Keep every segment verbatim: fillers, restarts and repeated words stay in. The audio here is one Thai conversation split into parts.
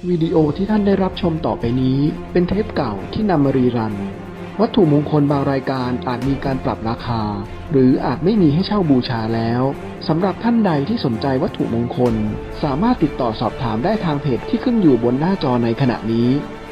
วิดีโอที่ท่านได้รับชมต่อไปนี้เป็นเทปเก่าที่นำมารีรันวัตถุมงคลบางรายการอาจมีการปรับราคาหรืออาจไม่มีให้เช่าบูชาแล้วสำหรับท่านใดที่สนใจวัตถุมงคลสามารถติดต่อสอบถามได้ทางเพจที่ขึ้นอยู่บนหน้าจอในขณะนี้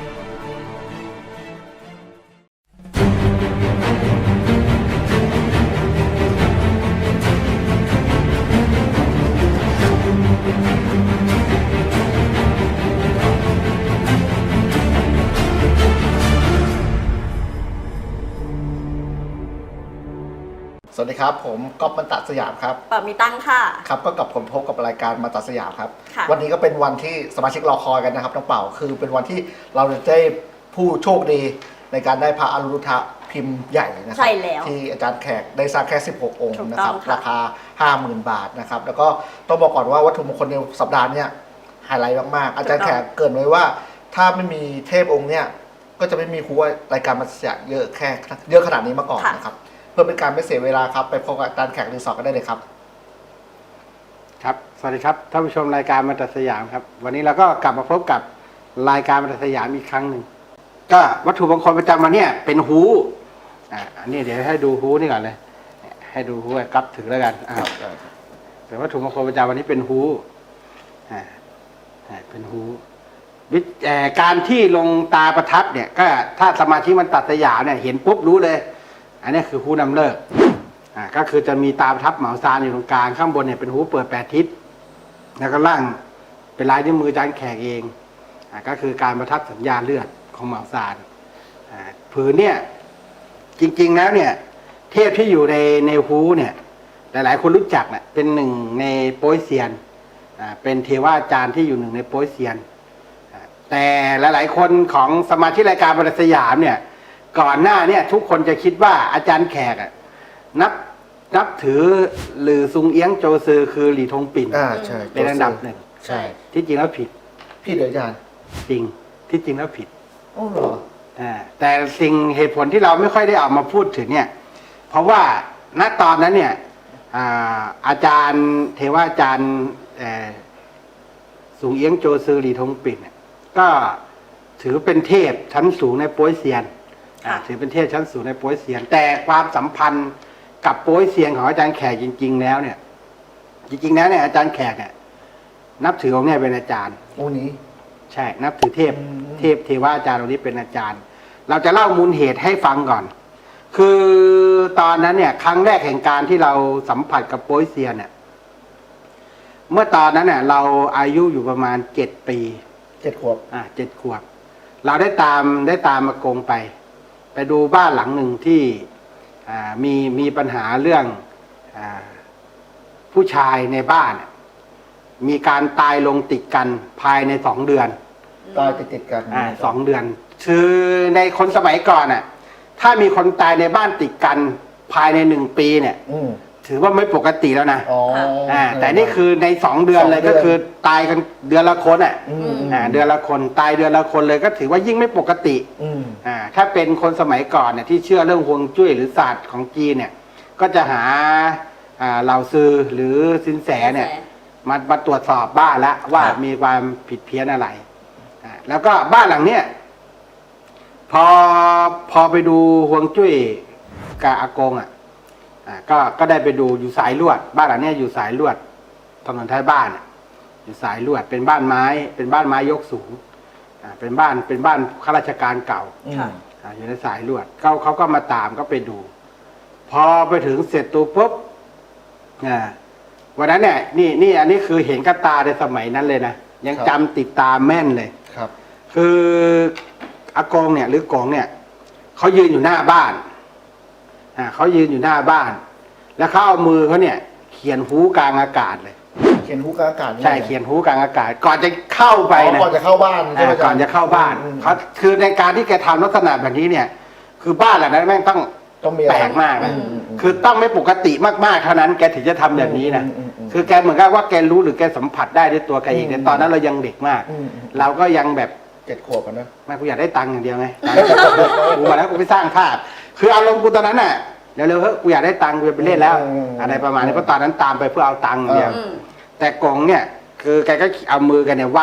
สวัสดีครับผมก๊อฟมันตัดสยามครับปามีตั้งค่ะครับก็กับผมพบกับรายการมาตัดสยามครับค่ะวันนี้ก็เป็นวันที่สมาชิกรอคอยกันนะครับน้องเป่าคือเป็นวันที่เราจะได้ผู้โชคดีในการได้พระอรุณฑะพิมพ์ใหญ่นะครัใช่แล้วที่อาจารย์แขกได้สร้างแค่สิบหกองค์ถูกนะต้คอรังบค่ะราคา ห้าหมื่น บาทนะครับแล้วก็ต้องบอกก่อนว่าวัตถุมงคลในสัปดาห์นี้ไฮไลท์มากๆอาจารย์แขกเกริ่นไว้ว่าถ้าไม่มีเทพองค์เนี้ยก็จะไม่มีครูว่ารายการมาตัดสยามเยอะแค่เยอะขนาดนี้มาก่อนนะครับเพื่อเป็นการไม่เสียเวลาครับไปพบกับอาจารย์แขกรีสอร์ทกันได้เลยครับครับสวัสดีครับท่านผู้ชมรายการมาตัดสยามครับวันนี้เราก็กลับมาพบกับรายการมาตัดสยามอีกครั้งหนึ่งก็วัตถุมงคลประจำวันนี้เป็นฮูอ่าอันนี้เดี๋ยวให้ดูฮูนี่ก่อนเลยให้ดูฮูกับถือแล้วกันอ่าเป็นวัตถุมงคลประจำวันนี้เป็นฮูอ่าเป็นฮูวิการที่ลงตาประทับเนี่ยก็ถ้าสมาชิกมันตัดสยามเนี่ยเห็นปุ๊บรู้เลยอันนี้คือฮูนำเลิกอ่าก็คือจะมีตาประทับเหมาซานอยู่ตรงกลางข้างบนเนี่ยเป็นฮูเปิดแปดทิศแล้วก็ล่างเป็นลายนิ้วมือจานแขกเองอ่าก็คือการประทับสัญญาเลือดของเหมาซานอ่าผืนเนี่ยจริงๆแล้วเนี่ยเทพที่อยู่ในในฮูเนี่ยหลายๆคนรู้จักเนี่ยเป็นหนึ่งในโป๊ยเซียนอ่าเป็นเทวาจารย์ที่อยู่หนึ่งในโป๊ยเซียนอ่าแต่หลายๆคนของสมาชิกรายการมาตัดสยามเนี่ยก่อนหน้าเนี่ยทุกคนจะคิดว่าอาจารย์แขกอะนับนับถือหรือซุงเอี้ยงโจซือคือหลี่ทงปิ่นอ่าใช่เป็นอันดับหนึ่งใช่ที่จริงแล้วผิดพี่เดี๋ยวอาจารย์จริงที่จริงแล้วผิดโอ้เหรออ่าแต่สิ่งเหตุผลที่เราไม่ค่อยได้ออกมาพูดถึงเนี่ยเพราะว่าณตอนนั้นเนี่ยอ่าอาจารย์เทวาอาจารย์เอ่อซุงเอี้ยงโจซือหลี่ทงปิ่นเนี่ยก็ถือเป็นเทพชั้นสูงในโป๊ยเซียนอ่าถือเป็นเทพชั้นสูงในโป๊ยเซียน แต่ความสัมพันธ์กับโป๊ยเซียนของอาจารย์แขกจริง ๆ แล้วเนี่ย จริงๆแล้วเนี่ยอาจารย์แขกเนี่ยนับถือองค์เนี่ยเป็นอาจารย์องค์นี้ใช่นับถือเทพอืมเทพเทวาอาจารย์องค์นี้เป็นอาจารย์ เราจะเล่ามูลเหตุให้ฟังก่อน คือตอนนั้นเนี่ยครั้งแรกแห่งการที่เราสัมผัสกับโป๊ยเซียนเนี่ยเมื่อตอนนั้นเนี่ยเราอายุอยู่ประมาณเจ็ดปีเจ็ดขวบอ่าเจ็ดขวบ เราได้ตามได้ตามมากงไป ไปดูบ้านหลังหนึ่งที่อ่ามีมีปัญหาเรื่องอ่าผู้ชายในบ้าน มีการตายลงติดกันภายในสองเดือนตายติดติดๆกันอ่าสองเดือน คือในคนสมัยก่อนอ่ะ ถ้ามีคนตายในบ้านติดกันภายในหนึ่งปีเนี่ยอืมถือว่าไม่ปกติแล้วนะอ๋ออ่าแต่นี่คือในสองเดือนเลยสองเดือนก็คือตายกันเดือนละคนอ่ะอืมอ่าเดือนละคนตายเดือนละคนเลยก็ถือว่ายิ่งไม่ปกติอืมอ่าถ้าเป็นคนสมัยก่อนเนี่ยที่เชื่อเรื่องฮวงจุ้ยหรือศาสตร์ของจีนเนี่ย ก็จะหาอ่าเหล่าซือหรือสินแสเนี่ยมามาตรวจสอบบ้านแล้วว่าครับมีความผิดเพี้ยนอะไรอ่าแล้วก็บ้านหลังเนี้ยพอพอไปดูฮวงจุ้ยกับอากงอ่ะอ่าก็ก็ได้ไปดูอยู่สายลวด บ้านหลังเนี้ยอยู่สายลวดถนนท้ายบ้านอะอยู่สายลวดเป็นบ้านไม้ เป็นบ้านไม้ยกสูงอ่าเป็นบ้านเป็นบ้านข้าราชการเก่าอืมอ่าอยู่ในสายลวดเขาเขาก็มาตามก็ไปดู พอไปถึงเสร็จตัวปุ๊บอ่าวันนั้นเนี่ยนี่นี่อันนี้คือเห็นกับตาในสมัยนั้นเลยนะยังครับจำติดตาแม่นเลยครับคืออากงเนี่ยหรือกงเนี่ยเขายืนอยู่หน้าบ้านอ่าเขายืนอยู่หน้าบ้าน แล้วเขาเอามือเขาเนี่ย เขียนหูกลางอากาศเลยเขียนหูกลางอากาศใช่เขียนหูกลางอากาศ ก่อนจะเข้าไปอ๋อนะก่อนจะเข้าบ้านใช่ไหมอ่าก่อนจะเข้าบ้านอืมเขาคือในการที่แกทำลักษณะแบบนี้เนี่ย คือบ้านหลังนั้นแม่งต้องต้องมีอะไรแปลกมากนะอืมอืมคือต้องไม่ปกติมากๆเท่านั้นแกถึงจะทำแบบนี้นะอืมอืมอืมคือแกเหมือนกับว่าแกรู้หรือแกสัมผัสได้ด้วยตัวแกเองอืมแต่ตอนนั้นเรายังเด็กมากอืมอืมเราก็ยังแบบเจ็ดขวบกันนะไม่กูอยากได้ตังค์อย่างเดียวไงกูมาแล้วกูไปสร้างภาพคืออารมณ์กูตอนนั้นน่ะเดี๋ยวเร็วๆเฮ้ยกูอยากได้ตังค์กูจะไปเล่นแล้ว อะไรประมาณนี้เพราะตอนนั้นตามไปเพื่อเอาตังค์อย่างเดียวอืมแต่กงเนี่ย คือแกก็เอามือกันเนี่ยวาด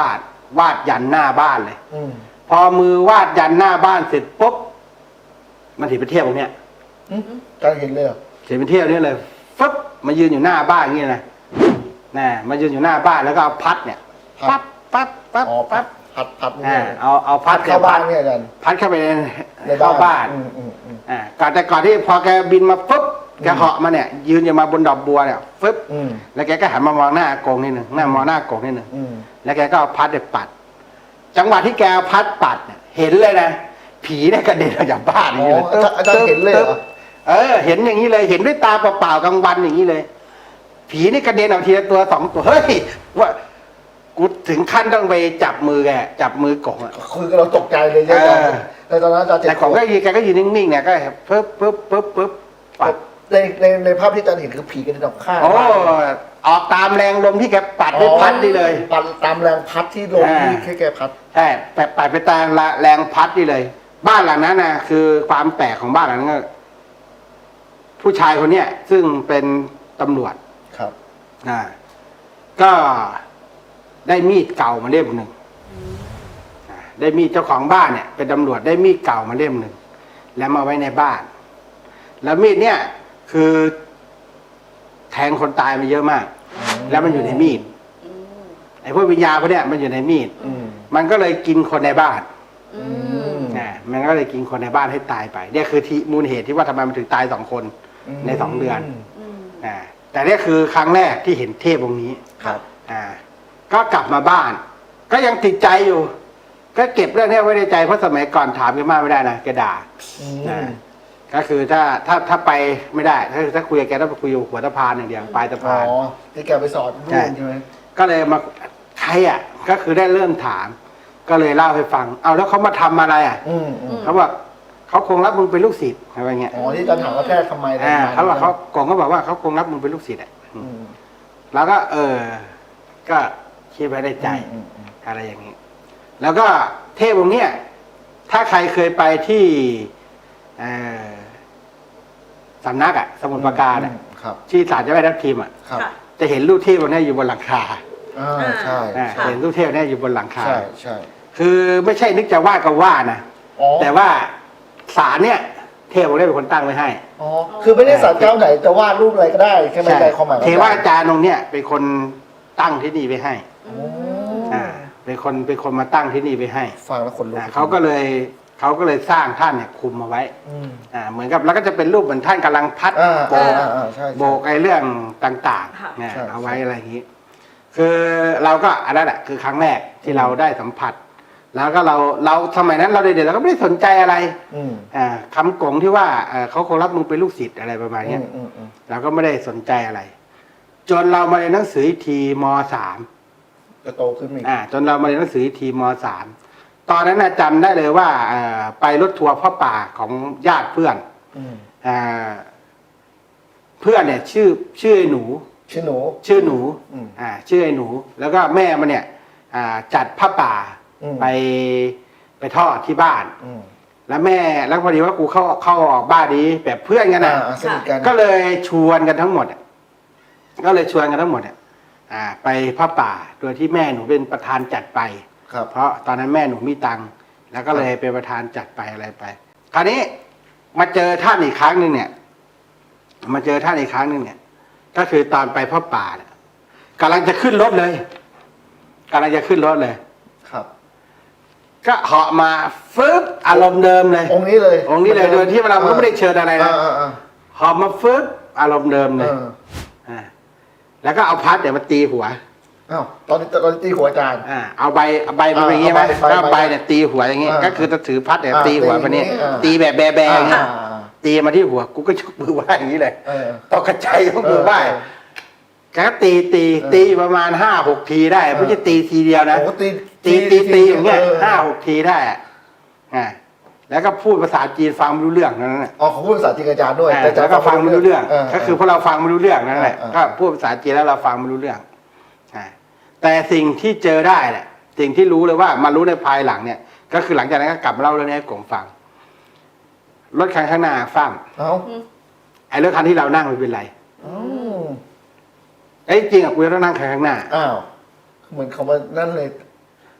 วาดยันหน้าบ้านเลยอืมพอมือวาดยันหน้าบ้านเสร็จปุ๊บมันถือไปเที่ยวตรงเนี้ยอืมการเห็นเลยเหรอถือไปเที่ยวเนี่ยเลยฟึบมายืนอยู่หน้าบ้านอย่างนี้นะน่ะมายืนอยู่หน้าบ้านแล้วก็เอาพัดเนี่ยปั๊บปั๊บปั๊บอ๋อพัปั๊ดบพัดพัดนี่อ่าเลยเอาเอาพัพัดดเข้าบ้านเนี่ยอาจารย์พัดเข้าไปในในเข้าบ้านอืมอืมอืมอ่าก่อนแต่ก่อนที่พอแกบินมาปุ๊บแกเหาะมาเนี่ย ยืนอยู่มาบนดอกบัวเนี่ยฟึบอืมแล้วแกก็หันมามองหน้าอากงนิดหนึ่งหน้ามองหน้าอากงนิดหนึ่งอืมแล้วแกก็เอาพัดเนี่ยปัด จังหวะที่แกเอาพัดปัดเนี่ยเห็นเลยนะผีเนี่ยกระเด็นออกจากบ้านออ๋ย่างอนี้เลยอาจารย์อาจารย์เห็นเลยเหรอเออ เห็นอย่างนี้เลย เห็นด้วยตาเปล่าๆกลางวันอย่างนี้เลย ผีนี่กระเด็นออกทีละตัวสองตัวเฮ้ยว่ากูถึงขั้นต้องไปจับมือแกจับมือกงอะคือเราตกใจเลยใช่ไหมเออแต่ตอนนั้นอาจารย์เจ็บแต่ของก็ยืนแกก็ยืนนิ่งๆเนี่ยก็ปึ๊บปึ๊บปึ๊บปึ๊บปัดในในในภาพที่อาจารย์เห็นคือผีกระเด็นออกข้างโอ้ออกตามแรงลมที่แกปัดด้วยพัดนี่เลยปัดตามแรงพัดที่ลมอ่าที่แค่แกพัดใช่แปปัดไปตามแรงพัดนี่เลย บ้านหลังนั้นนะคือความแปลกของบ้านหลังนั้นก็ผู้ชายคนเนี้ยซึ่งเป็นตำรวจครับอ่าก็ได้มีดเก่ามาเล่มหนึ่งอ่าได้มีดเจ้าของบ้านเนี่ยเป็นตำรวจได้มีดเก่ามาเล่มหนึ่งแล้วมาไว้ในบ้าน แล้วมีดเนี่ยคือแทงคนตายมาเยอะมาก แล้วมันอยู่ในมีดไอ้พวกวิญญาณพวกเนี้ยมันอยู่ในมีดอืมมันก็เลยกินคนในบ้านอืมอ่ามันก็เลยกินคนในบ้านให้ตายไปเนี่ยคือที่มูลเหตุที่ว่าทำไมมันถึงตายสองคนในสองเดือนอืมอ่าแต่เนี่ยคือครั้งแรกที่เห็นเทพองค์นี้ครับอ่า ก็กลับมาบ้าน ก็ยังติดใจอยู่ ก็เก็บเรื่องนี้ไว้ในใจเพราะสมัยก่อนถามแกมากไม่ได้นะแกด่าอืมอ่าก็คือถ้าถ้าถ้าไปไม่ได้ ถ้าถ้าคุยกับแกต้องไปคุยอยู่หัวสะพานอย่างเดียวปลายสะอ๋พานอที่แกไปสอนรุ่นใช่ไหมก็เลยมาใครอ่ะ ก็คือได้เริ่มถาม ก็เลยเล่าให้ฟัง เอาแล้วเขามาทำอะไรอ่ะอืมอืมเขาบอกเขาคงรับมึงเป็นลูกศิษย์อะไรเงี้ยอ๋อที่อาจารย์ถามว่าแพทย์ทำไมอ่าทำไมเขาบอกเขากงก็บอกว่าเขาคงรับมึงเป็นลูกศิษย์อ่ะอืมแล้วก็ เออ ก็คิดไว้ในใจอืมอืมอะไรอย่างนี้ แล้วก็เทพองค์เนี้ยถ้าใครเคยไปที่เอ่อสำนักอ่ะ สมุทรปราการอ่ะครับที่ศาลเจ้าแม่ทับทิมอ่ะครับค่ะจะเห็นรูปเทพองค์เนี้ยอยู่บนหลังคาอ่าใช่อ่าใช่เห็นรูปเทพเนี่ยอยู่บนหลังคาใช่ใช่คือไม่ใช่นึกจะว่าก็ว่านะอ๋อแต่ว่าศาลเนี่ย เทพองค์เนี้ยเป็นคนตั้งไว้ให้อ๋อคือไม่ได้สารเจ้าไหนจะวาดรูปอะไรก็ได้แค่ในใจความหมายเทวาอาจารย์องค์เนี่ยเป็นคนตั้งที่นี่ไว้ให้โอ้อ่า เป็นคนเป็นคนมาตั้งที่นี่ไว้ให้ฟังแล้วขนลุกอ่าเขาก็เลยเขาก็เลยสร้างท่านเนี่ยคุมมาไว้อืมอ่า เหมือนกับแล้วก็จะเป็นรูปเหมือนท่านกำลังพัดอ่าโบอ่าก อ่าใช่ใช่โบกไอ้เรื่องต่างค่ะๆเนี่ยใช่เอาไว้อะไรอย่างนี้ คือเราก็อันนั้นแหละคือครั้งแรกที่เราได้สัมผัส แล้วก็เราเราสมัยนั้นเราเด็กๆเราก็ไม่ได้สนใจอะไรอืมอ่าคำกงที่ว่าเอ่อเขาคงรับมึงเป็นลูกศิษย์อะไรประมาณอืเนี้ยมอืมอืมเราก็ไม่ได้สนใจอะไร จนเรามาเรียนหนังสืออีกทีมสามจะโตขึ้นอีกอ่า จนเรามาเรียนหนังสืออีกทีมสามตอนนั้นนะจำได้เลยว่าเอ่อไปรถทัวร์พ่อป่าของญาติเพื่อนอืมอ่าเพื่อนเนี่ย ชื่อชื่อไอ้หนูชื่อหนูชื่อหนูอืมอ่า ชื่อไอ้หนู แล้วก็แม่มันเนี่ย อ่า จัดผ้าป่าอืมไปไปทอดที่บ้านอืมแล้วแม่แล้วพอดีว่ากูเข้าเข้าออกบ้านนี้แบบเพื่อนกันอ่านะอ่าสนิทกันก็เลยชวนกันทั้งหมดอะก็เลยชวนกันทั้งหมดอะอ่า ไปผ้าป่า โดยที่แม่หนูเป็นประธานจัดไปครับเพราะตอนนั้นแม่หนูมีตังค์แล้วก็เลยเป็นประธานจัดไปอะไรไป คราวนี้มาเจอท่านอีกครั้งหนึ่งเนี่ย มาเจอท่านอีกครั้งหนึ่งเนี่ย ก็คือตอนไปผ้าป่าเนี่ยกำลังจะขึ้นรถเลยกำลังจะขึ้นรถเลยครับก็เหาะมาฟึบอารมณ์เดิมเลยองค์นี้เลยองค์นี้เลยโดยที่เราก็ไม่ได้เชิญอะไรนะอ่าอ่าหอบมาฟึบอารมณ์เดิมอ่าเลยเอออ่าแล้วก็เอาพัดเดี๋ยวมาตีหัวอ้าวตอนนี้ตอนนี้ตีหัวอาจารย์อ่าเอาใบเอาใบมาอย่างงี้ไหมเอาใบก็เอาใบใบเนี่ยตีหัวอย่างงี้อ่าก็คือจะถือพัดเนี่ยอ่าตีหัวตีมาเนี่ยอ่าตีแบบแบแบอย่างงี้อ่าตีมาที่หัวกูก็ยกมือไหว้อย่างนี้เลยเออตกกระจายยกมือไหว้เออแกก็ตีตีเออตีอยู่ประมาณห้าหกทีได้ไม่ใช่ตีทีเดียวนะโอ้ตีตีตีตีอย่างเงี้ยเออห้าหกทีได้อะอ่าแล้วก็พูดภาษาจีนฟังไม่รู้เรื่องนั่นแหละอ๋อเขาพูดภาษาจีนกับอาจารย์ด้วยอ่าแต่อาจารแล้ย์วก็ฟังไม่รู้เรื่อง ก็คือพวกเราฟังไม่รู้เรื่องนั่นแหละเออเออก็พูดภาษาจีนแล้วเราฟังไม่รู้เรื่องอ่าแต่สิ่งที่เจอได้เนี่ยสิ่งที่รู้เลยว่ามารู้ในภายหลังเนี่ย ก็คือหลังจากนั้นก็กลับมาเล่าเรื่องนี้ให้กงฟัง รถคันข้างหน้าฟ้ามเอ้าไอ้รถคันที่เรานั่งไม่เป็นไรอืมไอ้ยจริงอ่ะกูจะต้องนั่งคันข้างหน้าอ้าวเหมือนเขามานั่นเลย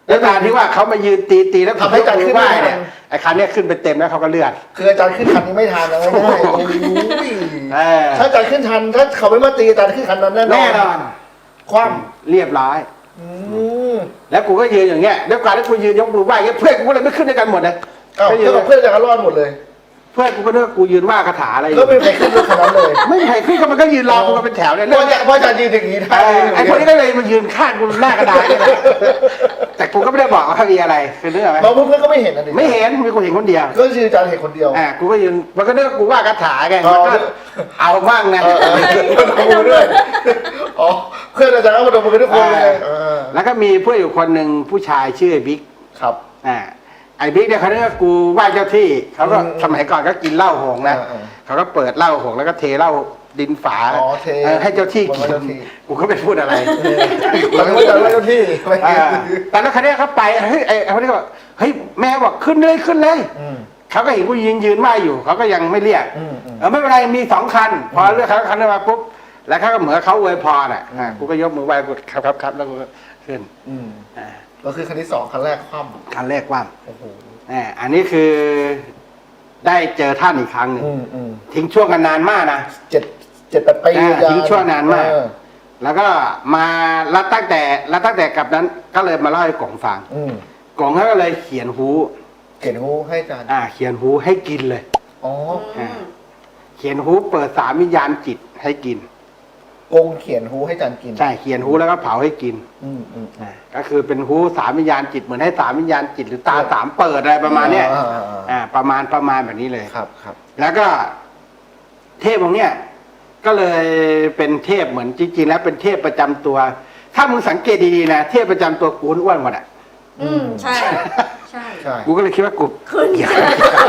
แล้วการที่ว่าเขามายืนตีตีแล้วทำให้อาจารย์ขึ้นไหไม่ว้ทัเนี่ยนไอ้คันเนี้ยขึ้นไปเต็มแล้วเขาก็เลือดคืออาจารย์ขึ้นคันนี้ไม่ทันนะไม่ได้โอ้ยเออถ้าอาจารย์ขึ้นทันถ้าเขาไม่มาตีอาจารย์ขึ้นคันนั้นแน่นอนแน่นอนคว่เรียบร้อยำอืมแล้วกูก็ยืนอย่างเงี้ยด้วยการที่กูยืนยกมือไหว้เงี้ยเพื่อนกูก็เลยไม่ขึ้นด้วยกันหมดเลยอ้าวก็ยืเพื่อน นเพื่อนอาจารย์ก็รอดหมดเลยเพื่อนกูก็นึกว่ากูยืนว่าคาถาอะไรอยู่ก็ไม่มีใครขึ้นรถคันนั้นเลยไม่มีใครขึ้นก็มันก็ยืนรอกูกันเป็นแถวเนี่ยเพราะอาจารย์เพราะอาจารย์ยืนอย่างนี้เอได้อไอ้คนนี้ก็เลยมายืนข้างกูหน้ากระดานเนี่ยนะแต่กูก็ไม่ได้บอกว่ามีอะไรคือเรื่องอะไรน้องเพื่อนๆก็ไม่เห็นนะดิไม่เห็นมีกูเห็นคนเดียวก็คืออาจารย์เห็นคนเดียวอ่ากูก็ยืนมันก็นึกว่ากูว่าคาถาไงอ๋อมันก็เอาบ้างนะเออเออเพื่อนเอามือด้วยอ๋อเพื่อนอาจารย์ก็มาดมมือกันทุกคนเลยเออแล้วก็มีเพื่อนอยู่คนหนึ่งผู้ชายชื่อไอ้บิ๊กครับอ่าไอ้บิ๊กเนี่ยเขาเรียกว่ากูไหว้เจ้าที่เขาก็อืมสมัยก่อนก็กินเหล้าหงนะเออเออเขาก็เปิดเหล้าหงแล้วก็เทเหล้าดินฝาอ๋อเทเออให้เจ้าที่บนกินเจ้าที่กูก็ไม่พูดอะไรเราไม่ว่าจะว่าเจ้าที่ไม่อ่าแต่แล้วคันนี้เขาไปเฮ้ยไอ้เขาเรียกว่าเฮ้ยแม่บอกขึ้นเลยขึ้นเลยอืมเขาก็เห็นกูยืนยืนไหว้อยู่เขาก็ยังไม่เรียกอืมอืมเออไม่เป็นไรมีสองคัน พอเลือกคันคันนั้นมาปุ๊บแล้วเขาก็เหมือนเขาอวยพรอ่ะอ่ากูก็ยกมือไหว้กูครับครับครับแล้วกูก็ขึ้นอืมอ่าก็คือคันที่สองคันแรกคว่คันแรกว่างำโอ้โหอ่าอันนี้คือได้เจอท่านอีกครั้งหนึ่งอืมอืมทิ้งช่วงกันนานมากนะเจ็ดเจ็ดแปดปีอ่าอาจารย์ทิ้งช่วงนานมากเออแล้วก็มาแล้วตั้งแต่แล้วตั้งแต่กลับนั้นก็เลยมาเล่าให้กงฟังอืมกงเขาก็เลยเขียนฮูเขียนหูให้อาจารย์อ่า เขียนฮูให้กินเลยอ๋ออ่าเขียนฮูเปิดสามวิญญาณจิตให้กินกงเขียนหูให้อาจารย์กินใช่เขียนฮูแล้วก็เผาให้กินอืมอืมอ่าก็คือเป็นฮูสามวิญญาณจิตเหมือนให้สามวิญญาณจิตหรือตาสามเปิดอะไรประมาณเนี้ยอ่าอ่าอ่าอ่าประมาณประมาณแบบนี้เลยครับครับแล้วก็เทพองค์เนี้ยก็เลยเป็นเทพเหมือนจริงๆแล้วเป็นเทพประจำตัว ถ้ามึงสังเกตดีๆนะเทพประจำตัวกูอ้วนหมดอ่ะอืมใช่ ใช่ใช่กูก็เลยคิดว่ากูขึ้นเกี่ยว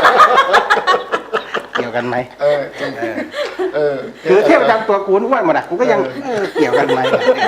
เกี่ยวกันไหมเออเออคือเทพประจำตัวกูอ้วนหมดอ่ะกูก็ยังเออเออเกี่ยวกันไหม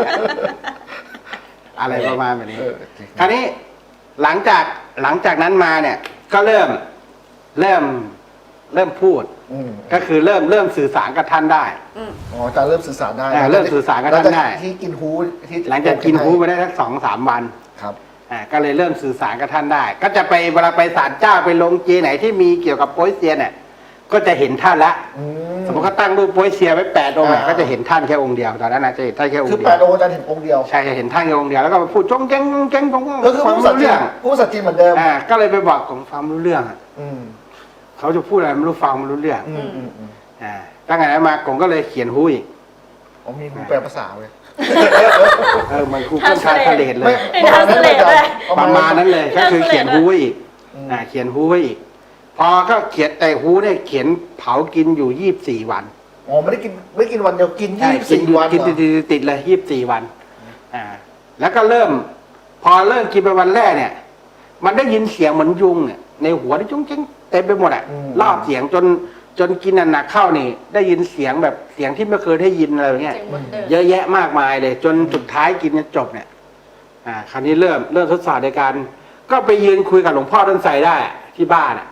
อะไรประมาณแบบนี้เออคราวนี้หลังจากหลังจากนั้นมาเนี่ย ก็เริ่มเริ่มเริ่มพูดอืมก็คือเริ่มเริ่มสื่อสารกับท่านได้อืมอ๋ออาจารย์เริ่มสื่อสารได้อ่าเริ่มสื่อสารกับท่านได้หลังจที่กินหูที่หลังจากกินฮูไปได้สักสองสามวันครับอ่าก็เลยเริ่มสื่อสารกับท่านได้ ก็จะไปเวลาไปศาลเจ้าไปลงเจไหนที่มีเกี่ยวกับโป๊ยเซียนเนี่ยก็จะเห็นท่านละอืสมมติเขาตั้งรูปโป๊ยเซียนไว้แปดองค์อะอ่าก็จะเห็นท่านแค่องค์เดียวตอนนั้นนะจะเห็นท่านแค่องคือค์เดีแปยวดองค์อาจารย์เห็นองค์เดียวใช่จะเห็นท่านแค่องค์เดียวแล้วก็มาพูดจงแจ้งจงแจ้งจงก็คือฟังผู้สัตรู้ว์จีเรื่นองผู้สัตว์จีนเหมือนเดิมอ่าก็เลยไปบอกของฟังรู้เรื่องอะอืมเขาจะพูดอะไรไม่รู้ฟังไม่รู้เรื่องอืมอืมอืมอ่าตั้งแต่นั้นมากงก็เลยเขียนฮู้อีกอ๋อมีหูแปลภาษาเลยเออมันคูเกิลทาทะเลเลยไม่น่าเสลดเลยประมาณนั้นเลยก็คือเขียนฮู้ไว้อีกอืมอ่าเขียนฮู้ไว้อีก พอก็เขียนแต่ฮู้เนี่ยเขียนเผากินอยู่ยี่สิบสี่วันอ๋อไม่ได้กินไม่กินวันเดียวกินใช่ยี่สิบกินสี่อยู่วันกินเหรติอดๆติดๆเลยยี่สิบสี่วันอ่าแล้วก็เริ่ม พอเริ่มกินไปวันแรกเนี่ย มันได้ยินเสียงเหมือนยุงเนี่ยในหัวที่จุ้งจิ้งเต็มไปหมดอ่ะรอบเสียงจนจนกินหนักๆเข้านี่ ได้ยินเสียงแบบเสียงที่ไม่เคยได้ยินอะไรอย่างเงี้ยเจ๋งหมดเดิมเยอะแยะมากมายเลย จนสุดท้ายกินจนจบเนี่ย อ่า คราวนี้เริ่มเริ่มทดสอบในการ ก็ไปยืนคุยกับหลวงพ่อต้นไทรได้อะที่บ้านอ่ะ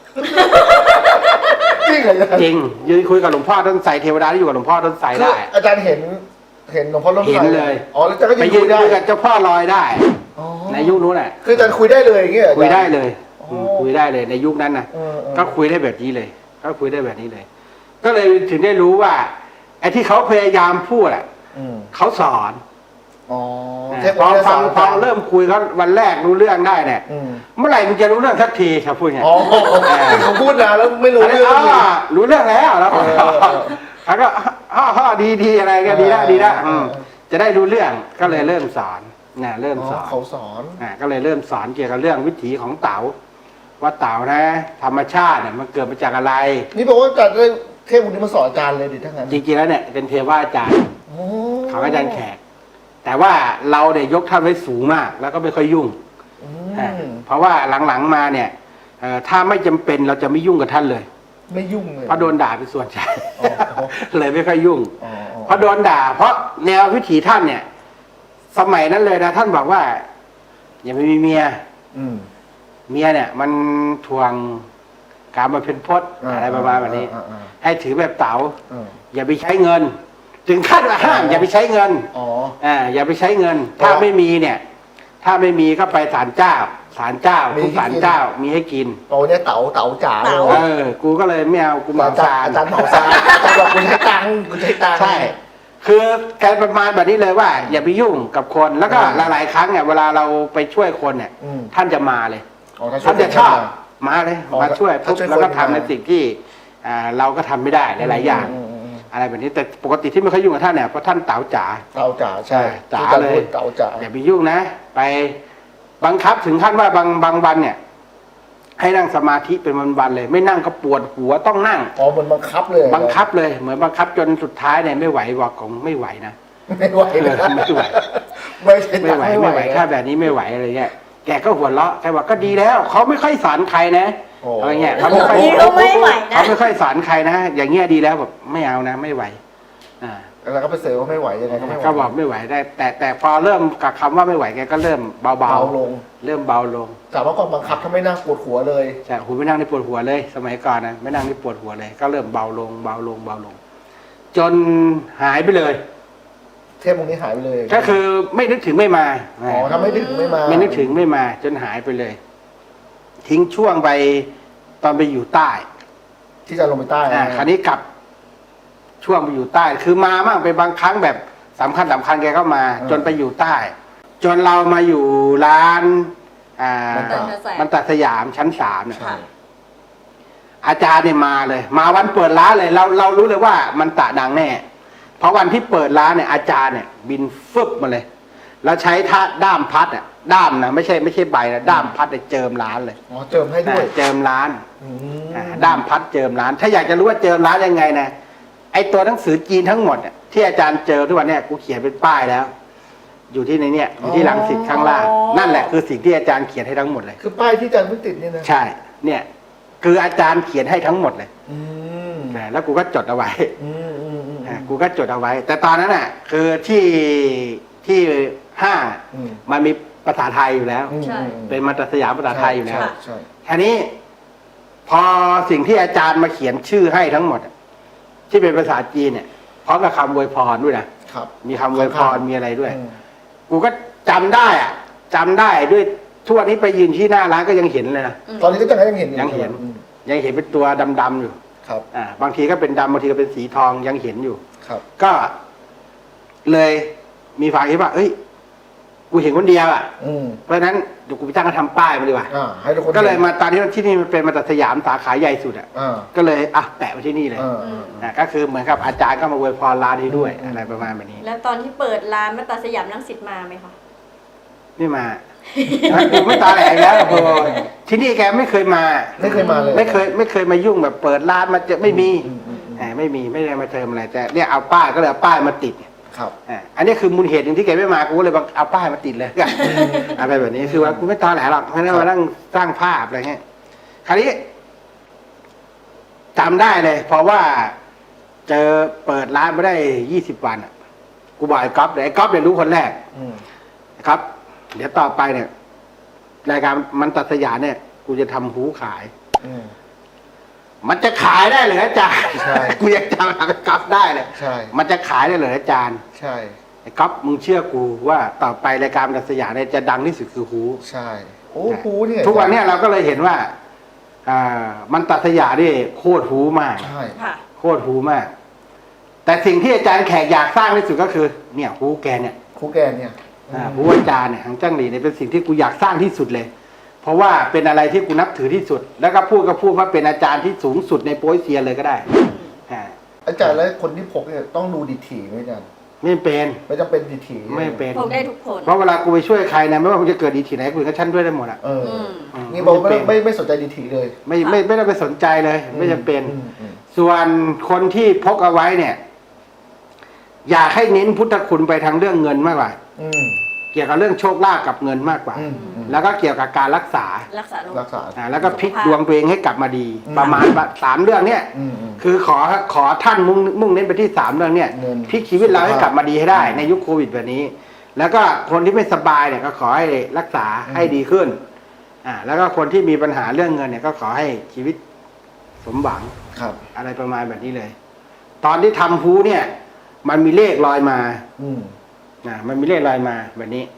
จริงเหรออาจารย์จริง ยืนคุยกับหลวงพ่อต้นไทรเทวดาที่อยู่กับหลวงพ่อต้นไทรคือได้อาจารย์เห็นเห็นหลวงพ่อล้มเห็นเลยอ๋อแล้วอาจารย์ก็ไปยังยืคุนยได้คุยกับเจ้าพ่อลอยได้อ๋อในยุคนู้นน่ะคืออาจารย์คุยได้เลยอย่างเงี้ยเหรอคุยได้อาจารเลยอ๋ออืมคุยได้เลยในยุคนั้นนะเออเออก็คุยได้แบบนี้เลย ก็คุยได้แบบนี้เลย ก็เลยถึงได้รู้ว่า ไอ้ที่เขาพยายามพูดอ่ะอืมเขาสอนอ๋ออ่าเทพพอวิทยาฟัศาง สตร์พอเริ่มคุยเขาวันแรกรู้เรื่องได้เนี่ยอืมเมื่อไหร่มึงจะรู้เรื่องสักทีครับพูดไงอ๋อเขาพูดนานแล้วไม่รู้อันนี้เรื่องอ๋อรู้เรื่องแล้วแล้วเออเออเออแล้วก็ฮ่อฮ่อดีดีอะไรก็ดีละดีละเออเอออืมจะได้รู้เรื่องก็เลยเริ่มสอนนะเริ่มอ๋อสอนเขาสอนอ่าก็เลยเริ่มสอนเกี่ยวกับเรื่องวิถีของเต๋าว่าเต๋านะ ธรรมชาติเนี่ยมันเกิดมาจากอะไรนี่บอกว่าอาจารย์ได้เทพองค์นี้มาสอนอาจารย์เลยดิทั้างนั้นจริงๆแล้วเนี่ยเป็นเทวาอาจารย์โอ้ของอาจารย์แขก แต่ว่าเราเนี่ยยกท่านไว้สูงมาก แล้วก็ไม่ค่อยยุ่งอือ่าม เพราะว่าหลังๆมาเนี่ยเอ่อถ้าไม่จำเป็นเราจะไม่ยุ่งกับท่านเลยไม่ยุ่งเลยเพราะโดนด่าเป็นส่วนใหญ่อ๋ออ๋อเลยไม่ค่อยยุ่งอ๋ออ๋อเพราะโดนด่า เพราะแนววิถีท่านเนี่ย สมัยนั้นเลยนะท่านบอกว่า อย่าไปมีเมียอืมเมียเนี่ย มันทวงการมาเป็นพจน์อะไรประมาณแบบนี้อ่าอ่าให้ถือแบบเต๋าอ่าอย่าไปใช้เงิน ถึงขั้นว่าห้ามอย่าไปใช้เงินอ๋ออ่าอย่าไปใช้เงิน ถ้าเพราะไม่มีเนี่ยถ้าไม่มีก็ไปศาลเจ้าศาลเจ้ามีทุกให้ศาลกินเจ้ามีให้กินโอ้เนี่ยเต๋าเต๋าจ๋าเลเต๋ายเออ กูก็เลยไม่เอากูเหมาอาจารย์ซานอาจารย์เหมาซานอาจารย์บอกคุณใช้ตังค์คุณใช้ตังค์ใช่ คือการประมาณแบบนี้เลยว่า อย่าไปยุ่งกับคนแล้วก็อ่าหลายๆครั้งเนี่ยเวลาเราไปช่วยคนเนี่ยอืมท่านจะมาเลยอ๋อถ้าช่วท่าย นจะชอบมาเลยอ๋อมาช่วยถ้าปุ๊บช่วยแล้วก็คนทำมาในสิ่งที่อ่าเราก็ทำไม่ได้หลายๆอย่างอืมอืมอืมอะไรแบบนี้แต่ปกติที่ไม่ค่อยยุ่งกับท่านเนี่ยเพราะท่านเต๋าจ๋าเต๋าจ๋าใช่จ๋าที่อจรเลยพูดเต๋าจ๋าอย่าไปยุ่งนะ ไปบังคับถึงขั้นว่าบางบางวันเนี่ย ให้นั่งสมาธิเป็นวันๆเลย ไม่นั่งก็ปวดหัวต้องนั่งอ๋อเหมือนบังคับเลยบังคับเลยเหมือนบังคับจนสุดท้ายเนี่ยไม่ไหวบอกของไม่ไหวนะไม่ไหวเลยเออไม่ไหวไม่ใช่ไม่ไหวไม่ไหวถ้าแบบนี้ไม่ไหวอะไรเงี้ยแกก็หัวเราะแกบอกก็ดีแล้วเขาไม่ค่อยสอนใครนะโอ้อะไรเงี้ยเขาไม่ค่อยนี่ก็ไม่ไหวนะเขาไม่ค่อยสอนใครนะอย่างเงี้ยดีแล้วแบบไม่เอานะไม่ไหวอ่าแล้วก็ไปเสริมว่าไม่ไหวยังไงก็ไม่ไหวก็บอกไม่ไหวได้ แต่แต่พอเริ่มกับคำว่าไม่ไหวแกก็เริ่มเบาเบาลงๆเริ่มเบาลงแต่ว่าก่อนบังคับถ้าไม่นั่งปวดหัวเลยใช่หูไม่นั่งนี่ปวดหัวเลย สมัยก่อนนะไม่นั่งนี่ปวดหัวเลย ก็เริ่มเบาลงเบาลงเบาลง จนหายไปเลยเทพองค์นี้หายไปเลยก็คือไม่นึกถึงไม่มาอ๋อถ้าไม่นึกถึงไม่มาไม่นึกถึงไม่มา จนหายไปเลย ทิ้งช่วงไปตอนไปอยู่ใต้ที่จะลงไปใต้อ่านะคราวนี้กลับช่วงไปอยู่ใต้ คือมามั่งไปบางครั้งแบบสำคัญสำคัญแกก็มา จนไปอยู่ใต้ จนเรามาอยู่ร้าน อ่า มันตัดสยามชั้นสามเนี่ยค่ะอาจารย์เนี่ยมาเลย มาวันเปิดร้านเลย เราเรารู้เลยว่ามันตะดังแน่ เพราะวันที่เปิดร้านเนี่ยอาจารย์เนี่ยบินฟึบมาเลย แล้วใช้ท่าด้ามพัดอ่ะด้ามนะไม่ใช่ไม่ใช่ใบนะด้ามพัดเนี่ยเจิมร้านเลยอ๋อเจิมให้ด้วยอ่าเจิมร้านอืมอ่าด้ามพัดเจิมร้าน ถ้าอยากจะรู้ว่าเจิมร้านยังไงนะไอตัวหนังสือจีนทั้งหมดเนี่ยที่อาจารย์เจอทุกวันเนี่ยกูเขียนเป็นป้ายแล้ว อยู่ที่ในเนี่ยอยู่ที่หลังสิทธิ์ข้างล่าง นั่นแหละคือสิ่งที่อาจารย์เขียนให้ทั้งหมดเลยคือป้ายที่อาจารย์เพิ่งติดนี่นะใช่ เนี่ย คืออาจารย์เขียนให้ทั้งหมดเลยอืมอ่าแล้วกูก็จดเอาไว้อืมอืมอืมอ่ากูก็จดเอาไว้ แต่ตอนนั้นอ่ะ คือที่ที่ห้างอะอืมมันมีภาษาไทยอยู่แล้วอืมใช่อืมเป็นมาตรสยามภาษาไทยอยู่แล้วใช่ใช่ทีนี้ พอสิ่งที่อาจารย์มาเขียนชื่อให้ทั้งหมดอะที่เป็นภาษาจีนเนี่ยพร้อมกับคำอวยพรด้วยนะครับ มีคำอวยพรมีอะไรด้วยอืมกูก็จำได้อ่ะจำได้ด้วยทุกวันนี้ไปยืนที่หน้าร้านก็ยังเห็นเลยนะตอนนี้ก็ยังเห็นอยังเห็นอืมยังเห็นเป็นตัวดำๆอยู่ครับอ่าบางทีก็เป็นดำบางทีก็เป็นสีทองยังเห็นอยู่ครับก็เลยมีความคิดว่า เอ้ย กูเห็นคนเดียวอ่ะอืมเพราะฉะนั้นเดี๋ยวกูไปตั้งกระทำป้ายมาดีกว่าอ่าให้ทุกคนก็เลยห็นมาตอนที่ที่นี่มันเป็นมาตัดสยามสาขาใหญ่สุดอ่ะอ่าก็เลยอ่ะแปะไว้ที่นี่เลยอ่าอ่าอ่าก็คือเหมือนกับอาจารย์ก็มาอวยพรร้านนี้ด้วยอะไรประมาณแบบนี้แล้วตอนที่เปิดร้านมัตตสยามรังสิตมาไหมคะไม่มากูไม่ตาแหลกแล้วโอ้โหที่นี่แกไม่เคยมาไม่เคยมาเลยไม่เคยไม่เคยมายุ่งแบบเปิดร้านมาเจอไม่มีอืมอืมอืมอ่าไม่มีไม่ได้มาเติมอะไรแต่เนี่ยเอาป้ายก็เลยเอาป้ายมาติดครับอ่าอันนี้คือมูลเหตุหนึ่งที่แกไม่มากูก็เลยบังเอาป้ายมาติดเลยอะไรแบบนี้คือว่ากูไม่ตอแหลหรอกไม่ได้มานั่งสร้างภาพอะไรเงี้ยคราวนี้จำได้เลย เพราะว่าเจอเปิดร้านไม่ได้ยี่สิบวันอ่ะกูบอกไอ้ก๊อฟเลยไอ้ก๊อฟเนี่ยรู้คนแรกอืมครับ เดี๋ยวต่อไปเนี่ยรายการมันตัดสยามเนี่ย กูจะทำหูขายอืมมันจะขายได้เหรออาจารย์ใช่กูยังจำไอ้ก๊อฟได้เลยใช่มันจะขายได้เหรออาจารย์ใช่ไอ้ก๊อฟมึงเชื่อกูว่าต่อไปรายการมันตัดสยามเนี่ยจะดังที่สุดคือหูใช่โอ้โหเนี่ยทุกวันเนี้เราก็เลยเห็นว่า อ่า มันตัดสยามนี่โคตรหูมากใช่ค่ะโคตรหูมาก แต่สิ่งที่อาจารย์แขกอยากสร้างที่สุดก็คือ เนี่ยหูแกเนี่ยครูแกนเนี่ยอ่าหูอาจารย์เนี่ยหางจ้างหลีเนี่ยเป็นสิ่งที่กูอยากสร้างที่สุดเลย เพราะว่าเป็นอะไรที่กูนับถือที่สุด แล้วก็พูดก็พูดว่าเป็นอาจารย์ที่สูงสุดในโป๊ยเซียนเลยก็ได้อ่าอาจารย์แล้วคนที่พกเนี่ยต้องดูดีถีไหมอาจารย์ไม่เป็นไม่จำเป็นดีถีไม่เป็นพกได้ทุกคนเพราะเวลากูไปช่วยใครนะไม่ว่ามึงจะเกิดดีที่ไหนกูก็ชั้นด้วยได้หมดอ่ะเอออืมอืมนี่บอกไม่เป็ไม่ไม่สนใจดีถีเลยไม่ไม่ไม่ได้ไปสนใจเลย ไม่จำเป็นอืมอืมส่วนคนที่พกเอาไว้เนี่ย อยากให้เน้นพุทธคุณไปทางเรื่องเงินมากกว่าอืมเกี่ยวกับเรื่องโชคลาภกับเงินมากกว่าอืมอืมแล้วก็เกี่ยวกับการรักษารักษาโรครักษาอ่าแล้วก็พลิกดวงตัวเองให้กลับมาดีอืมประมาณสามเรื่องเนี่ยอืมอืมคือขอขอท่านมุ่งมุ่งเน้นไปที่สามเรื่องเนี่ยเงินพลิกชีวิตเราให้กลับมาดีให้ได้อืมในยุคโควิดแบบนี้ แล้วก็คนที่ไม่สบายเนี่ยก็ขอให้รักษาอืมให้ดีขึ้น อ่า แล้วก็คนที่มีปัญหาเรื่องเงินเนี่ยก็ขอให้ชีวิตสมหวังครับอะไรประมาณแบบนี้เลย ตอนที่ทำฮูเนี่ย มันมีเลขลอยมาอืมอ่ามันมีเลขลอยมาแบบนี้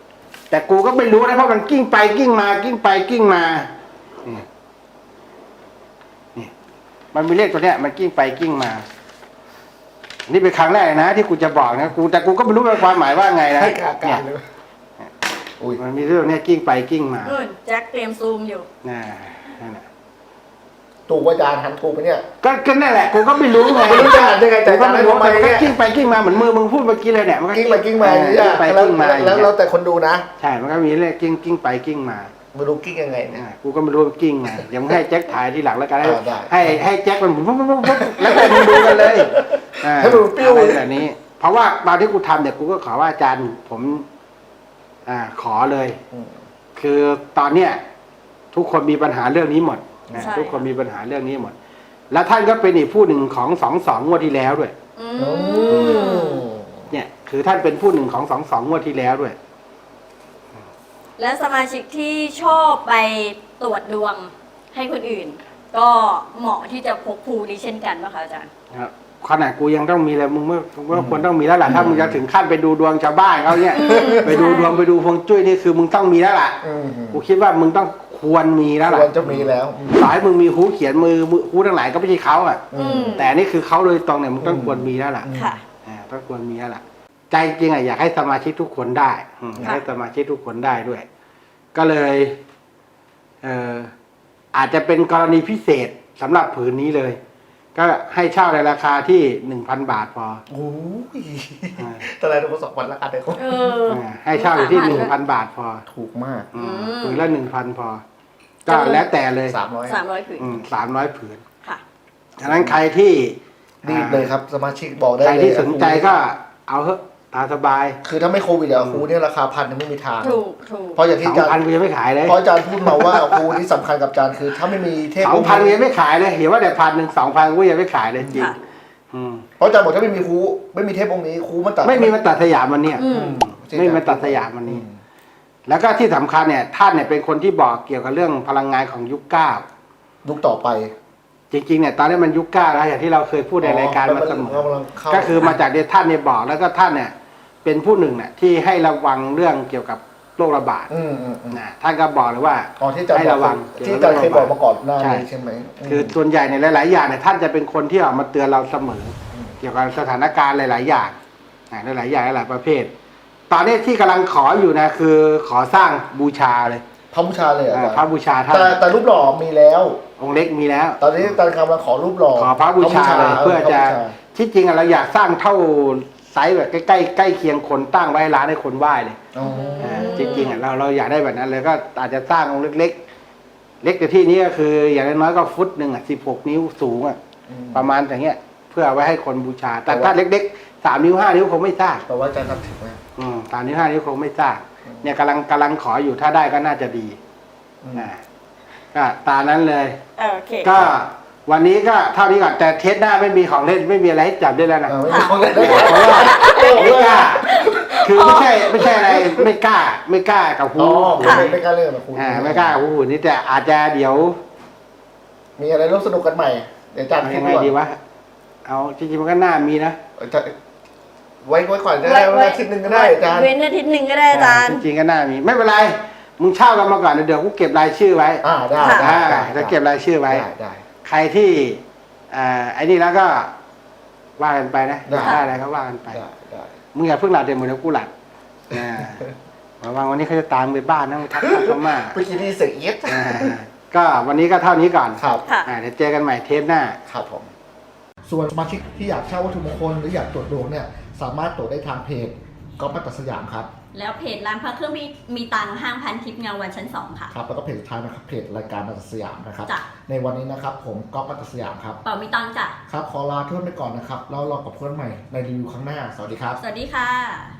แต่กูก็ไม่รู้นะเพราะมันกิ้งไปกิ้งมากิ้งไปกิ้งมานี่นี่มันมีเลขตัวเนี้ยมันกิ้งไปกิ้งมานี่เป็นครั้งแรกนะที่กูจะบอกนะกูแต่กูก็ไม่รู้ว่าความหมายว่าไงนะให้อาเนี่การยเลยอุ้ยมันมีเรื่องเนี้ยกิ้งไปกิ้งมานู่นแจ็คเตรียมซูมอยู่น่านั่นน่ะตูว่าอาจารย์หันกูไปเนี่ยก็ก็นั่นแหละกูก็ไม่รู้ไงไม่รู้จะอ่านยังไงแต่กูก็ไม่รู้อาจารย์ให้แต่มันก็ทำไมเนี่ยกิ้งไปกิ้งมาเหมือนมือมึงพูดเมื่อกี้เลยเนี่ยมันก็กิ้งไปกิ้งมาอย่างเอนี้อกิ้งไปแล้วกิ้งมาอย่างแล้วเงี้แล้วยแต่คนดูนะใช่มันก็มีเลขกิ้งกิ้งไปกิ้งมาไม่รู้กิ้งยังไงเนี่ยอ่ากูก็ไม่รู้ว่ากิ้งไงเดี๋ยวมึงให้แจ็คถ่ายทีหลังแล้วกันให้อ่าได้ให้ให้แจ็คมันปุ๊บปุ๊บปุ๊บปุ๊บแล้วก็มึงดูกันเลยอ่าให้มันปิ้วอะไรแบบนี้ เพราะว่าตอนที่กูทำเนี่ยกูก็ขอว่าอาจารย์ผมอ่าขอเลยอืมคือตอนเนี้ยทุกคนมีปัญหาเรื่องนี้หมดนะใช่ทุกคนมีปัญหาเรื่องนี้หมด แล้วท่านก็เป็นอีกผู้หนึ่งของสองสองงวดที่แล้วด้วยอือืมมเนี่ย คือท่านเป็นผู้หนึ่งของสองสองงวดที่แล้วด้วยและสมาชิกที่ชอบไปตรวจดวงให้คนอื่น ก็เหมาะที่จะพกภูนี้เช่นกันป่ะคะอาจารย์ครับขนาดกูยังต้องมีเลยมึงเมื่อเมื่อควรต้องมีแล้วล่ะถ้ามึงจะถึงขั้นไปดูดวงชาวบ้านเขาเนี่ยอืมไปดูดวงไปดูฮวงจุ้ยนี่คือมึงต้องมีแล้วล่ะอืมกูคิดว่ามึงต้องควรมีแล้วคล่ะวรจะมีแล้วต่อให้มึงมีหูเขียนมือมือหูทั้งหลายก็ไม่ใช่เขาอ่ะอืมแต่อันนี่คือเขาโดยตรงเนี่ยมึงต้องอืมควรมีแล้วล่ะค่ะอ่าต้องควรมีแล้วล่ะ ใจจริงอ่ะอยากให้สมาชิกทุกคนได้อืมอยากให้สมาชิกทุกคนได้ด้วย ก็เลยเอ่ออาจจะเป็นกรณีพิเศษสำหรับผืนนี้เลย ก็ให้เช่าในราคาที่หนึ่งพันบาทพอโอ้ยอ่าตอนแรกเราสองวันละกันเลยเอออ่าให้เช่าอยู่ที่หนึ่งพันบาทพอถูกมากอืมอืมผืนละหนึ่งพันพอ ก็แล้วแต่เลยสามร้อยสามร้อยผืนสามร้อยผืนค่ะฉะนั้นใครที่รีบเลยครับสมาชิกบอกได้ใครเลยที่สนใจก็เอาเถอะตามสบายคือถ้าไม่โควิดอะครูเนี่ยราคาพันยังไม่มีทางถูกถูกเพราะอย่างสที่องอาจารย์พันกูยังไม่ขายเลยเพราะอาจารย์พูดมาว่าครูที่สำคัญกับอาจารย์คือ ถ้าไม่มีเทพสองพันกูยังไม่ขายเลยเห็นว่าแต่พันหนึ่งสองพันกูยังไม่ขายเลยจริงค่ะอืมเพราะอาจารย์บอกถ้าไม่มีครูไม่มีเทพองค์นี้ครูมันตัดไม่มีมาตัดสยามวันเนี้ยอืมไม่มีมาตัดสยามวันนี้ แล้วก็ที่สำคัญเนี่ยท่านเนี่ยเป็นคนที่บอกเกี่ยวกับเรื่องพลังงานของยุคเก้ายุคต่อไปจริงๆเนี่ยตอนนี้มันยุคเก้าแล้วอย่างที่เราเคยพูดในรายการมาเสมอกำลังเข้าก็คือมาจากเดชท่านเนี่ยบอกแล้วก็ท่านเนี่ยเป็นผู้หนึ่งเนี่ยที่ให้ระวังเรื่องเกี่ยวกับโรคระบาดอืมอืมอืมนะท่านก็บอกเลยว่าอ๋อที่อาจารย์ให้บอกระวังที่อาจารย์เคยบอกมาก่อนหน้าใช่นี้ใช่ไหมมคือส่วนใหญ่ในหลาย ๆ อย่างเนี่ยท่านจะเป็นคนที่ออกมาเตือนเราเสมออืมเกี่ยวกับสถานการณ์หลาย ๆ อย่างนะหลายๆอย่างหลายๆประเภท ตอนนี้ที่กำลังขออยู่นะคือขอสร้างบูชาเลยพระบูชาเลยเหรออ่าอาจารย์พระบูชาท่านแต่แต่รูปหล่อมีแล้วองค์เล็กมีแล้วตอนนี้อาจารย์กำลังขอรูปหล่อขอพระบูชาเลยเพื่อจะพรบูชาที่จริงอะเราอยากสร้างเท่าไซส์แบบใกล้ๆใกล้เคียงคนตั้งไว้ร้านให้คนไหว้เลยอ๋ออ่าจริงๆอ่ะเราเราอยากได้แบบนั้นเลยก็อาจจะสร้างองค์เล็กๆ เล็กแต่ที่นี้ก็คืออย่างน้อยๆก็ฟุตหนึ่งอ่ะสิบหกนิ้วสูงอ่ะอืมประมาณอย่างเงี้ย เพื่อเอาไว้ให้คนบูชา แต่ถ้าเล็กๆสามนิ้วห้านิ้วคงไม่สร้างแปลว่าอาจารย์นับถือไหมอืมสามนิ้วห้านิ้วคงไม่สร้างอืมเนี่ยกำลังกำลังขออยู่ถ้าได้ก็น่าจะดีอืมอ่าก็ตามนั้นเลยโอเคก็วันนี้ก็เท่านี้ก่อนแต่เทสหน้าไม่มีของเล่นไม่มีอะไรให้จับได้แล้วนะอ่าไม่มีคนเล่นได้เพราะว่าไม่กล้า คือไม่ใช่ไม่ใช่อะไรไม่กล้า ไม่กล้ากับหูอ๋อหูไม่ไม่กล้าเล่นกับครูอ่าไม่กล้ากับหูหูนี่แต่อาจจะเดี๋ยวมีอะไรร่วมสนุกกันใหม่ เดี๋ยวอาจารย์เอาคิยัดงไงว่าดีวะเอาจริงๆมันก็น่ามีนะอาจารย์ไว้ไว้ก่อนก็ได้วันอาทิตย์หนึ่งก็ได้อาจารย์เว้นอาทิตย์หนึ่งก็ได้อาจารย์จริงๆก็น่ามี ไม่เป็นไรมึงเช่ากันมาก่อนเดี๋ยวกูเก็บรายชื่อไว้อ่าได้ค่ะได้อ่าได้จะเก็บรายชื่อไว้ได้ได้ใครที่อ่าไอ้นี่แล้วก็ว่ากันไปนะได้ได้อะไรก็ว่ากันไปได้ได้มึงอย่าเพิ่งหลับเดี๋ยวมึงเดี๋ยวกูหลับอ่าระวังวันนี้เขาจะตามไปบ้านนะมึงทักเขามาเมื่อกี้นี่เสียงเย็ดอ่าก็วันนี้ก็เท่านี้ก่อนครับค่ะอ่าเดี๋ยวเจอกันใหม่เทปหน้าครับผม ส่วนสมาชิกที่อยากเช่าวัตถุมงคลหรืออยากตรวจดวงเนี่ย สามารถตรวจได้ทางเพจก๊อฟมัตตสยามครับแล้วเพจร้านพระเครื่องมีมีตังค์ห้างพันทิพย์เงาวันชั้นสองค่ะครับ แล้วก็เพจสุดท้ายนะครับ เพจรายการมัตตสยามนะครับจ้ะในวันนี้นะครับ ผมก๊อฟมัตตสยามครับเป่ามีตังค์จ้ะครับ ขอลาเพื่อนไปก่อนนะครับ แล้วรอกับเพื่อนใหม่ในรีวิวครั้งหน้า สวัสดีครับสวัสดีค่ะ